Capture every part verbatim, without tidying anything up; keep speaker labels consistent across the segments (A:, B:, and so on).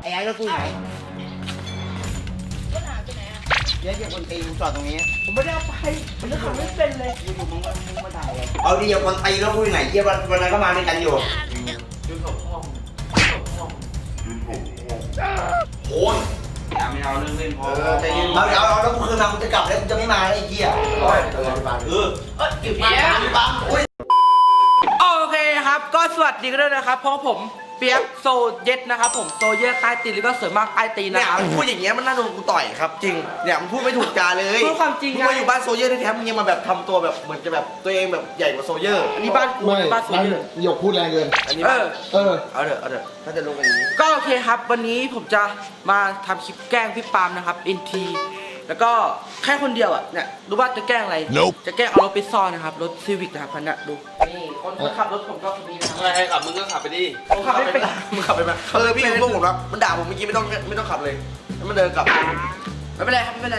A: อ้ไอ้รถกูไหน
B: รถหายไปไหนอ่ะ
A: เดี๋ยวเดี๋ยวคนตีมึงจอดตรงนี้
B: ผมไม่ได้เอาไปผมจะขับไม่เป็นเลย
A: อยู่ๆมึงก็มึงมาถ่ายเลยเอาดิอย่าคนตีรถกูไหนเยี่ยวันวันนั้นก็มาด้วยกันอยู่
C: ยืนกับพ่อยืนกับพ่อ
A: โอ้ย
C: อย่าไม่เอาเรื่องเล่นพอ
A: ใจเย็นเอาเดี๋ยวเอาแล้วกูคืนมากูจะกลับแล้วกูจะไม่มาแล้วไอ้เหี้ยเออเออเออ
B: เออเก็บ
A: มา
B: เนี้ย
A: บังอุ้ย
B: โอเคครับก็สวัสดีกันด้วยนะครับเพราะผมเปียกโซเย็ดนะครับผมโซเยอะใต้ตีนแล้วก็เสริมมากใต้ตีน
A: เนี่
B: นะ
A: ย
B: ครับ
A: มึงพูดอย่างเงี้ยมันน่าโดนกูต่อยครับจริงเนี่ยมึงพูดไม่ถูกจาเลย
B: พูดความจริง
A: มึ
B: ไง
A: งมาอยู่บ้านโซเยอร์แท้ๆมึงยังมาแบบทำตัวแบบเหมือนจะแบบตัวเองแบบใหญ่กว่าโซเยอร์
B: อันนี้บ้านกู
D: ไม่
B: บ้านโซเยอะ
D: หยกพูดแรงเกิน
A: อันนี้
B: เอ
A: บ้าน
B: อ
D: เออ
A: เอาเถอะเอาเถอะถ้าจะลงกันอย่างนี้
B: ก็โอเคครับวันนี้ผมจะมาทำคลิปแกล้งพี่ปาล์มนะครับอินทีแล้วก็แค่คนเดียวอ่ะเนี่ยรู้ว่าจะแกล้งอะไร
D: Nope
B: จะแกล้งเอารถไปซ่อนนะครับรถซีวิกนะครับคันนี้ดูนี่คนคนขับรถผมก็คนนี้นะครับ
C: ไม่ให้ขับมึงก็ขับไปดิ
B: ผมขับไม่เป็น
A: มึงขับไปไหมเออพี่พวกผมรับมันด่าผมเมื่อกี้ไม่ต้องไม่ต้องขับเลยแล้วมันเดินกลับ
B: ไม่เป็นไรครับไม่เป็นไร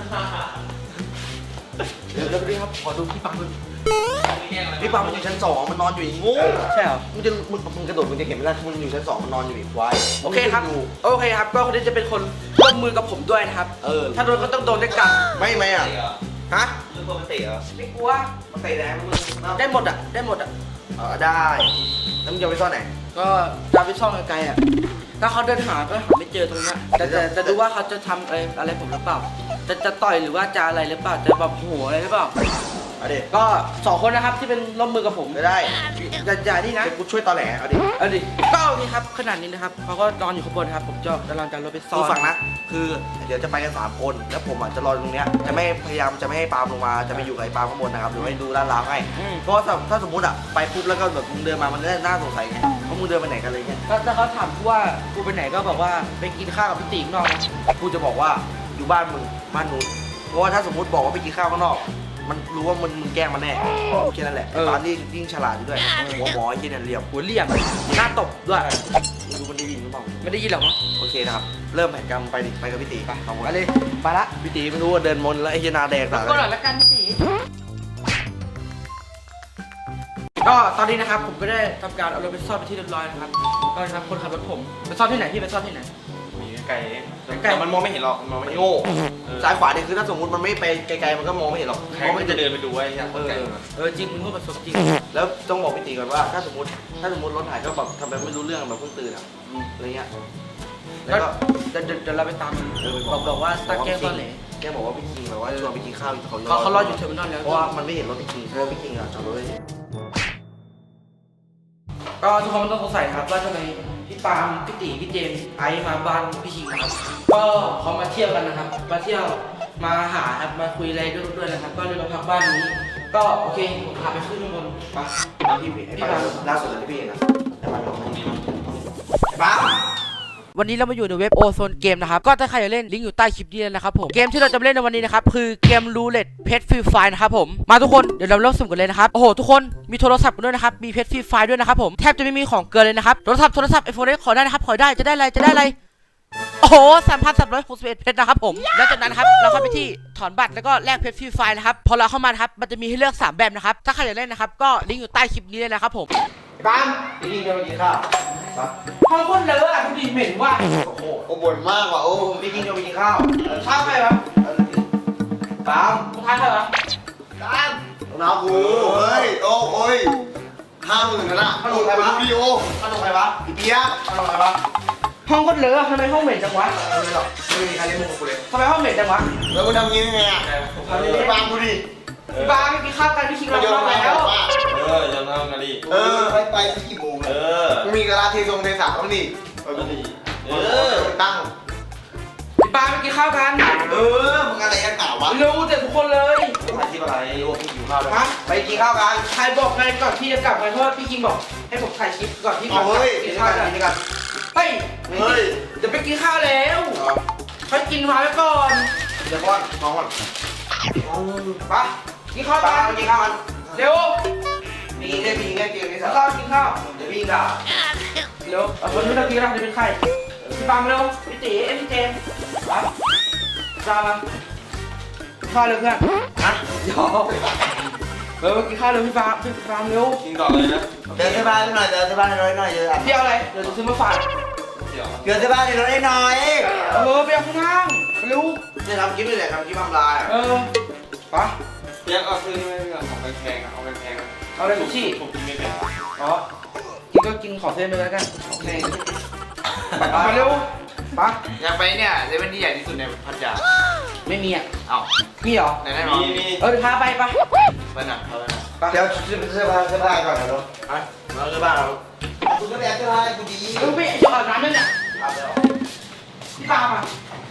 B: เดี๋ยวเดี๋ยวไปดูครับขอดูพี่ปาล์มดู
A: พี่ปามันอยู่ชั้นสองมันนอนอยู่อีกงู
B: ใช่เหรอ
A: มึงจะมึงมึงกระโดดมึงจะเห็นไหมล่ะมึงอยู่ชั้นสองมันนอนอยู่อีกควาย
B: โอเคครับ
A: มึงดู
B: โอเคครับ ก็คนนี้จะเป็นคนร่วมมือกับผมด้วยนะครับ
A: เออ
B: ถ้าโดนก็ต้องโดนด้วยกัน
A: ไม่ไหมอ่ะฮะ
C: เรื่องปกติเหรอ
B: ไม่กลัว
A: มันเตะแรงมึงเนาะ
B: ได้หมดอ่ะ ได้หมดอ่ะ
A: เออได้แล้วมึงจะไปซ่อนไหน
B: ก็จะไปซ่อนไกลๆอ่ะ ถ้าเขาเดินหาก็หาไม่เจอตรงเนี้ยแต่แต่จะดูว่าเขาจะทำอะไรอะไรผมหรือเปล่า จะจะต่อยหรือว่าจะอะไรหรือเปล่า จะแบบโหอะไรหรือเปล่า
A: เอาดิ
B: ก็สองคนนะครับที่เป็นร่วมมือกับผม
A: ไม่ได้
B: อย่าอย่านี่นะ
A: เดี๋ยวกูช่วยตอแหลเอาดิ
B: เอาดิ ก็โอเคครับขนาดนี้นะครับเขาก็นอนอยู่ข้างบนครับ ผมจะกำลังจะรถไปซ่อ
A: คื
B: น
A: อฟังนะ คือเดี๋ยวจะไปกันสามคนแล้วผมอ่ะจะรอตรงเนี้ยจะไม่พยายามจะไม่ให้ปาล์มลงมาจะไปอยู่กับไอ้ปาล์มข้างบนนะครับหรือให้ดูลาดราวให้
B: อืม
A: เพราะว่าถ้าถ้าสมมติอ่ะไปปุ๊บแล้วก็แบบมึงเดินมามันน่าสงสัยไงเพราะมึงเดินไปไหนกันเลยเงี้ย
B: ก็ถ้าเขาถามกูว่ากูไปไหนก็บอกว่าไปกินข้าวกับพี่ติ๋งนอกนะ
A: กูจะบอกว่าอยู่บ้านมึงบ้านนู้นเพราะว่าถ้าสมมติบอกว่าไปกินข้าวข้างนอก มันรู้ว่ามึงมึงแกล้งมันแน่แค่นั้นแหละตอนนี้ยิ่งฉลาดอยู่ด้วยหัวหมอไอ้ที่เนี่ยเหลี่ยม
B: หัวเหลี่ยมหน้าตบด้วย
A: มึงดูมันได้ยินหรือเปล่า
B: ไม่ได้ยินหรอกวะ
A: โอเคนะครับเริ่มแผนกรรมไปดิไปกับพี่ตีไปสองคน
B: ไปเลยไปละ
A: พี่ตีไม่รู้ว่าเดินมนแล้วไอ้เฮียนาแดงต่าง
B: ก็หน่อยละกันพี่ติ๋ก็ตอนนี้นะครับผมก็ได้ทำการเอารถไปซ่อนไปที่เรียบร้อยนะครับก็นะครับคนขับรถผมไปซ่อนที่ไหนพี่ไปซ่อนที่ไหน
C: มีไกลเอง
B: ไกล
C: แต่มันมองไม่เห็นหรอกมันมอง
A: มั
C: ไม่
A: น
C: เห็น
A: โง่
C: เออ
A: ซ้ายขวาเนี่ยคือถ้าสมมติมันไม่ไปไกลๆมันก็มองไม่เห็นหรอก
C: ใค
A: เพ
C: ร
A: ราะ
C: มั
A: มัน น
C: จะ
A: จะ
C: เดิ
A: เดิ
C: น
A: น
C: ไปดูไว้ยัง
A: เออ
C: ไกล
B: เออจริงมึงพูดประสบจริง
A: แล้วต้องบอกพี่ตีก่อนว่าถ้าสมมติถ้าสมมติรถหายก็แบบทำแบบไม่รู้เรื่องแบบเพิ่งตื่นอ่ะอะไรเงี้ยแล้
B: แล้ว
A: วก็
B: เดี๋ยวเดี๋ยวเราไปตามมันบอกบอกว่าตาแกล้งตอนไหน
A: แกบอกว่าพี่คิงแบบว่าชวนไปกินข้าวอยู่เขา
B: เขาเขารออยู่เทอร์มินอลแล้ว
A: เพราะว่ามันไม่เห็นรถพี่คิงเพราะว่าพี่คิงอ่ะจอดรถไว้
B: ก็ทุกคนต้องสงสัยนะครับว่าทำไมพี่ปาล์มพี่ตีพี่เจมส์ไอซ์มาบ้านพี่ชิงนะครับก็เขามาเที่ยวกันนะครับมาเที่ยวมาหาครับมาคุยอะไรด้วยด้วยนะครับ ก็เลยมาพักบ้านนี้ ก็โอเคผมพาไปขึ้นข้างบนไป
A: พี่พี่พี่บ้าล่าสุดเลยที่พี่เห็นนะไอ้บ้าบอกไอ้บ้า
B: วันนี้เรามาอยู่ในเว็บโอโซนเกมนะครับก็ถ้าใครอยากเล่นลิงก์อยู่ใต้คลิปนี้เลยนะครับผมเกมที่เราจะเล่นในวันนี้นะครับคือเกมรูเล็ตเพชรฟรีไฟนะครับผมมาทุกคนเดี๋ยวเราเริ่มสุ่มกันเลยนะครับโอ้โหทุกคนมีโทรศัพท์กันด้วยนะครับมีเพชรฟรีไฟด้วยนะครับผมแทบจะไม่มีของเกินเลยนะครับโทรศัพท์โทรศัพท์ไอโฟนขอได้นะครับขอได้จะได้อะไรจะได้อะไรโอ้โหสามพันสามร้อยหกสิบเอ็ดเพชรนะครับผมแล้วจากนั้นครับเราเข้าไปที่ถอนบัตรแล้วก็แลกเพชรฟรีไฟนะครับพอเราเข้ามานะครับมันจะมีให้เลือกสามแบบนะครับถ้าใครอยากเล่นนะครับก็ลิงก์อยู่ใต้คลิปนี้เลยนะครับผม
A: ไอ้บ้าพี่คิงจะไปกินข้าวมา
B: ห้องคนเลอะอ่ะทุกทีเหม็นว่า
A: โอ้โหโอ้บ่นมากว่ะโอ้พี่คิงจะไปกินข้าว
B: ข้าวใครวะ
A: ตาม
B: มึงทานใครวะ
A: ตามน้องกูเฮ้ยโอ้โอ้ยห้าหมื่นนะนะขนมใครวะวิดีโอขนมใครวะอีเปียกขนมใครวะ
B: ห้องคนเลอะทำไมห้องเหม็นจังวะ
A: ไม่หรอกไม่มีใครเล่นมุกกูเลย
B: ทำไมห้องเหม็นจังวะ
A: แล้วมึงทำงี้ยังไงอ่ะไอ้บ้ากูดิ
B: พี่บ้าไม่กินข้าวกันพี่คิงเรา
A: โยน
B: เข้า
A: ไป
B: มาแล้ว
C: เออจะนั่งกันดิ
A: เออไปไปกี่โมง
C: เอ
A: เลย
C: อ
A: มึงมีกระลาเททรงเทสาบ้างดิ
C: เออดิเอ
A: เอ
C: อ
A: อตั้ง
B: พี่บ้าไม่กินข้าวกัน
A: เออมึงอะไรกันหนาวะ
B: รู้แต่ทุกคนเลย
A: ถ่ายคลิปอะไรรู้ว่าพี่หิวข้าวเลย
B: ฮะ
A: ไปกินข้าวกัน
B: ใครบอกไงก่อนที่จะกลับไงเพราะว่าพี่คิงบอกให้ผมถ่ายคลิปก่อนที่
A: เอาเฮ้ย
B: กิ
A: กิ
B: น
A: น
B: ข้าว
A: กัน
B: กัน
A: กินกัน
B: เฮ้ย
A: เฮ้ย
B: เดี๋ยวไปกินข้าวแล้วเขากินมาไว้ก่อน
A: เดี๋ยวก่อนน้องก่อน
B: ไปกินข้าว
A: ป้า
B: กัน
A: ไปกินข้าวกัน
B: เร็ว
A: มีแค่มีแค่เกมนี้
B: กิ
A: สั
B: น
A: ก
B: ข้าวกินข้าว
A: เดี๋ยวพี่ด่า
B: เร็วเอาคนที่เรากินเราจะเป็นใครพี่บังเร็วพี่ตีเอ็มพี่เจมไปจ้ามากินข้าวเร็วเพื่อน
A: ฮะ
B: เดี๋ยวเออกินข้าวเร็วพี่บังพี่บังเร็ว
C: กินก่อนเลยนะ
A: เดินที่บ้านหน่อยเดินที่บ้านน้อยหน่อยเยอะ
B: พี่เอาอะไรเดี๋ยวจะซื้อมาฝาก
A: เ
C: ดี๋ยว
D: เปลี่ยนเสื้อผ้าในรถได้หน่อย
B: เออไปเอาข้างล่างเร็ว
A: เนี่ยทำคลิปนี่แหละทำคลิปทำลาย
B: เออปะ
C: เรียกเอาซื้อนี่ไม่เอาของแพงๆอะเอาแพงๆอะ
B: เอาอะไรลูกชี่
C: ผมกินไม่เป็น
B: อ๋อกินก็กินขอเส้นไปแล้วกันโอเคไปเร็วปะ
E: อยากไปเนี่ยเซเว่นที่ใหญ่ที่สุดในพัทยา
B: ไม่มีอ่ะ
E: เอ้า
B: มีเหรอ
E: ไหนแน่นอน
C: มีมี
B: เออเดี๋ยวพาไปปะ
E: ไปหนักเขาไปหนัก
B: ไป
D: เดี๋ยวเสื้อผ้าเสื้อผ้าก่อนนะรถ
A: อ่ะเราจะบ้านเรา
D: คุณก็ไปเอาเสื้อผ้าให้กูดี
B: เออไปจะอาบน้ำด้วยเนี่ย
A: อาบแล้ว
B: พี่ปาป่ะ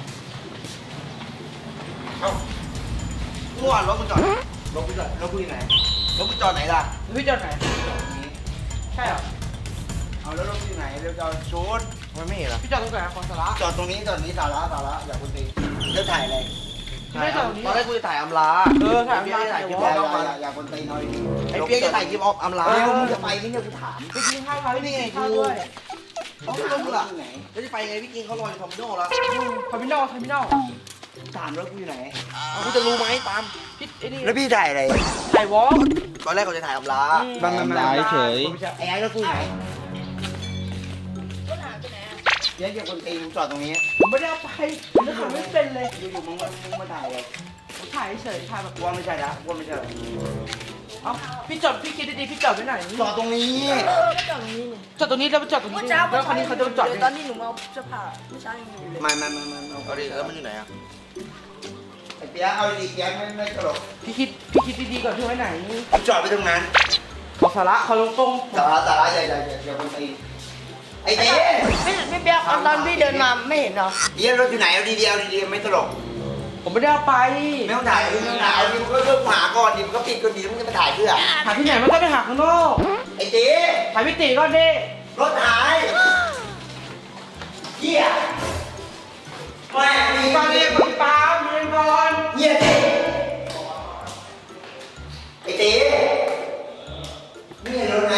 A: เมื่อวานรถมึงจอดรถมึงจอดรถมึงอยู่ไหนรถมึงจอดไหนล่ะ
B: พี่จอดไหนใช่เหรอ
D: เอาแล้วรถอยู่ไหนเดี๋ยวจะเอาชุด
A: มันไม่เห็นหรอ
B: พี่จอดตรงไหนของสาระ
D: จอดตรงนี้จอดตรงนี้สาระสาระอย่าคุณตีเดี๋ยวถ่ายอะไร
B: ไม่จอดตรงนี้
A: ตอนแรกกูจะถ่ายอำลา
B: เออถ่าย
A: ไเปี๊ยกจะถ่ายคลิป
D: อย่า
A: อ
D: อย่า
A: อม
D: อย่าอย่าคนตีหน่อย
A: ไอ้เปี๊ยกจะถ่ายคลิปออมลา
D: เดี๋ยวมึงจะไปนี่เนี่ยกูถาม
B: ไปกินข้าวเขา
A: นี่ไง
B: ข้าว
A: กู
B: ด้วย
A: เขาไม่รู้มึงอ่ะแล้วจะไปไงพี่กินเขารออยู่ทอมโน่แล้ว
B: คอมมินอลคอมมินอล
D: ถามรถกูอยู่ไหน
A: กูจะรู้ไหมตาม
B: พี่ไอ้นี่
D: แล้วพี่ถ่ายอะไร
B: ถ่ายวอล์ก
A: ตอนแรกเขาจะถ่ายอำลา
D: มันมันมัน
B: ร้ายเฉย
D: ไอ้ไอ้รถกูอยู่ไหนเดี๋ยวอย่าคนตีกูจอดตรงนี้
B: ผมไม่ได้เอาไปผมจะถ่ายไม่เป็นเลย
D: อยู่ๆมึงมามึงมาถ่ายอะไร
B: ผมถ่ายเฉยถ่ายแบบ
D: กูว่าไม่ใช่ละกูว่าไม่ใช่ละ
B: เอ้าพี่จอดพี่คิดดีๆพี่จอดไว้ไหน
D: จอดตรงนี้
F: ก็จอดตรงนี้นี่
B: จอดตรงนี้แล้วไปจอดตรงนี้
F: เมื่อเช้า
B: แล้วคันนี้เขาจะมาจอด
F: เดี๋ยว
B: ไห
F: ต
B: น
F: อนนี้หนูมาเอาเสื้อผ้าเมื่อเช้ายังอยู่เลย
D: ไม่ไม่ไม่ไม่เอา
A: เอาดิแล้วมันอยู่ไหนอ่ะ
D: ไอ้เปี๊ยกเอาดีๆเปี๊ยกไม่ไม่ตลก
B: พี่คิดพี่คิดดีๆก่อนพี่ไว้ไหน
D: กูจอดไปตรงนั้น
B: ขอสาระเขาลงตรง
D: สาระสาระอย่าอย่าอย่าอย่าคนตีไอ้เต้
F: ไม่ไม่เปียกตอนพี่เดินมาไม่เห็นเหรอ
D: เยี่ยรถอยู่ไหนเอาดีๆเอาดีๆไม่ตลก
B: ผมไม่ได้เอาไป
D: ไม่ต้องถ่ายไม่ต้องถ่ายเอาดิมึงก็เริ่มหาก่อนดิมึงก็ปิดก่อนดิมึงจะมาถ่ายเพื่อ
B: หาที่ไหนมันก็ไปหาข้างนอก
D: ไอ้เต้
B: ถ่ายพี่ตีก่อนดิ
D: รถหายเหี้ยแม่งมี
B: ฟังเรียกพี่ปาล์มเรียนก่อน
D: เหี้ยเต้ไอ้เต้นี่เห็นรถไหม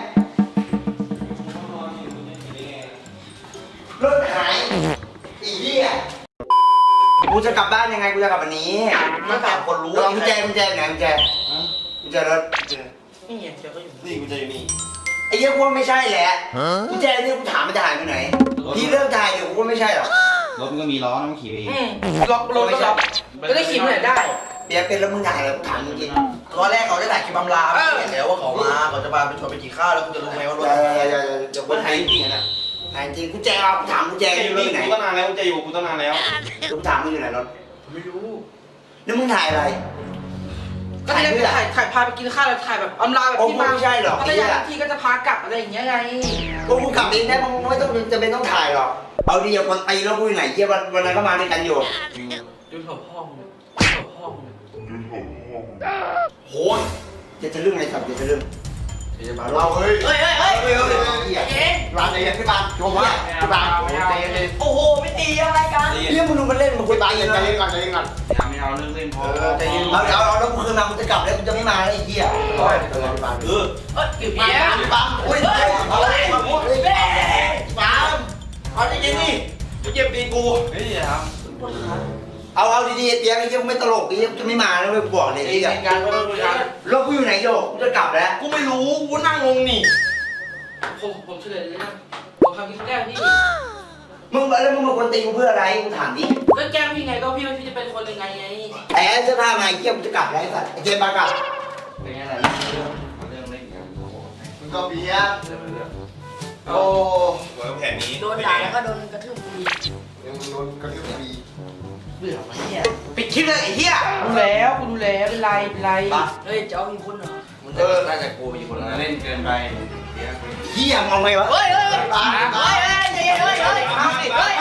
D: รถหายไอ้เหี้ยกูจะกลับบ้านยังไงกูจะกลับวันนี้
A: ต้องถามคนรู้
D: ลองกุญแจกุญแจไหนกุญแจกุญแจรถ
B: นี่ไงเดี๋ยวก็อยู่
C: นี่กูจะอยู่นี่
D: ไอ้เหี้ยกูว่าไม่ใช่แหละกุญแจเนี่ยกูถามมันจะหายไปไหนพี่เริ่มถ่ายเดี๋ยวกูว่าไม่ใช่หรอก
G: รถมันก็มีล้อนะมันขี่ไปเอง
B: อืมล็อกรถก็ล็อกจะได้ขี่ไปไหนได้
D: เปียกเป็นแล้วมึงถ่ายแล้วกูถามจริงๆ
A: ตอนแรกเขาจะถ่ายคลิปอำลา
B: เออ
A: เห็นแล้วว่าเขามาเขาจะพาไปชวนไปกินข้าวแล้วคุณจะรู้ไหมว่ารถ
D: อย่าอย่าอย่าอย่าอย่า
C: มันหายจริงๆอะนะ
D: ถ่ายจริงกุญแจเอากูถามกุญแจ
C: จะอ
D: อยู่ ยู่
C: นี่
D: ไหน
C: กูตั้งนานแล้วกูจะอยู่กูตั้งนานแล้ว
D: กูถามมึงอยู่ไหนรถ
A: ไม่รู้
D: แล้วมึงถ่ายอะไร
B: ก็จะได้ถ่ายถ่ายพาไปกินข้าวแล้วถ่ายแบบอำลาแบบ
D: โอ้
B: ที่
D: มึง
B: มา
D: ไม่ใช่หรอก
B: พัทยาทันทีก็จะพากลับอะไรอย่างเงี้ยไง
D: กูกูกลับเองได้มึงไม่ต้องจะเป็นต้องถ่ายหรอกเอาดีอย่าคนตีแล้วกูอยู่ไหนเยี่ยวันวันนั้นก็มาด้วยกันอยู่
B: ดูหัวพ่อมึงหัวพ่อมึง
D: โหยจะจะเรื่องอะไรสับจะจะเรื่อง
A: เดี๋ยวจะมา
D: เราเฮ้ย
B: เฮ้ยเฮ้ยเฮ้ย
D: เฮ้ยเฮ้ยเฮ้ย
B: เอ๊ะ
D: ร้านไหนพี่บางโจมว่าพี่บาง
B: โอ้โหไม่ตีอะไรกัน
D: เรื่องมึงดูมันเล่นมึงคุยไปเย็นใจเย็นก่อนใจเย็นก่อน
C: ไม่เอาเรื่องเล่นพอ
A: ใจเย็น
D: เอาเอาเอาแล้วกูคืนมากูจะกลับแล้วกูจะไม่มาแล้วไอ้เหี้ย
A: ก็ให้ตัวพี่ปาน
C: เออ
B: เอ้ยกี่ปีอะ
D: ปังอุ้ยเฮ้ยเอาเลยปัง
A: เอาจริงๆนี่
C: กูเจ็บตีกูเฮ้ยอย่าท
D: เอาเอาดีๆเปียกไอ้เหี้ยไม่ตลกไอ้เหี้ยจะไม่มาแล้วไม่บอกเลย
A: ไอ้
D: ไอ้เหี้ย
A: งานก็ต้องคุยกัน
D: รถกูอยู่ไหนโยกกูจะกลับแล้ว
A: กูไม่รู้กูนั่งงงนี่
B: ผมผมเฉลยเลยนะผมทำกินแกล้งพี่
D: มึงแล้วมึงมาคนตีกูเพื่ออะไรกูถามดิ
B: ก็แกล้งพี่ไงก็พี่ว่าพี่จะเป็นคนยังไงไง
D: ไอ้เสื้อผ้ามาไอ้เหี้ยกูจะกลับแล้วไอ้สัตว์ไอ้เจมส์มากลับ
C: ำเป็นไงล่ะเรื่องเรื่องเล่นกัน
D: มึงก็เปียก
C: เรื่องเรื่อง
D: โอ้
C: โอ้ยแผนนี้
F: โดนด่าแล้วก็โดนกระทืบฟรี
D: ยังโดนกระทืบปี
A: เบื่อวะเฮียปิดคลิปเลยไอ้เฮีย
B: ดูแล้วคุณดูแล้วเป็นไรเป็นไร
F: เฮ้ยจะเอาอีกคนเหรอ
A: มึงจะน่าจะกูมีคน
C: คน
A: ละ
C: ละเล่นเกินไปเดี๋ยว
D: เหี้ยมองไงวะ
F: เฮ้ยเฮ้ยเฮ้ย
D: ปังปัง
F: เฮ้ยเฮ้ยเฮ้ยเฮ้ยเฮ้ยเฮ้ย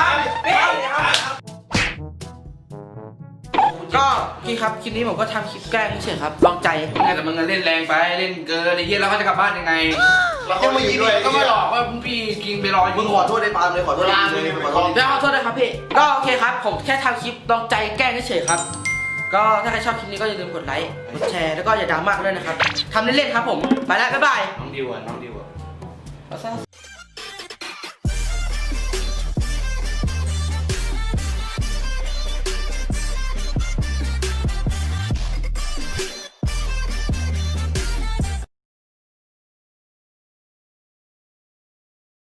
B: ก็พี่ครับคลิปนี้ผมก็ทำคลิปแกล้งเฉยๆครับลองใจ
E: แต่มึงเล่นแรงไปเล่นเกินไอ้เหี้ยแล้วเขาจะกลับบ้านยังไง
A: เราก็ไม่ยินด้วย
E: ก็ไม่หลอกว่าพี่กินไปรออยู่
A: มึงขอโทษได้ปาล์มเลยขอโทษเลยขอโทษ
B: แล้วขอโทษด้วยครับพี่ก็โอเคครับผมแค่ทำคลิปลองใจแกล้งเฉยๆครับก็ถ้าใครชอบคลิปนี้ก็อย่าลืมกดไลค์กดแชร์แล้วก็อย่าดราม่ากันด้วยนะครับทำเล่นๆครับผมไปแล้วบ๊ายบาย
C: น้องดิวอ่ะน้องดิวอ่ะ
B: เอาซะ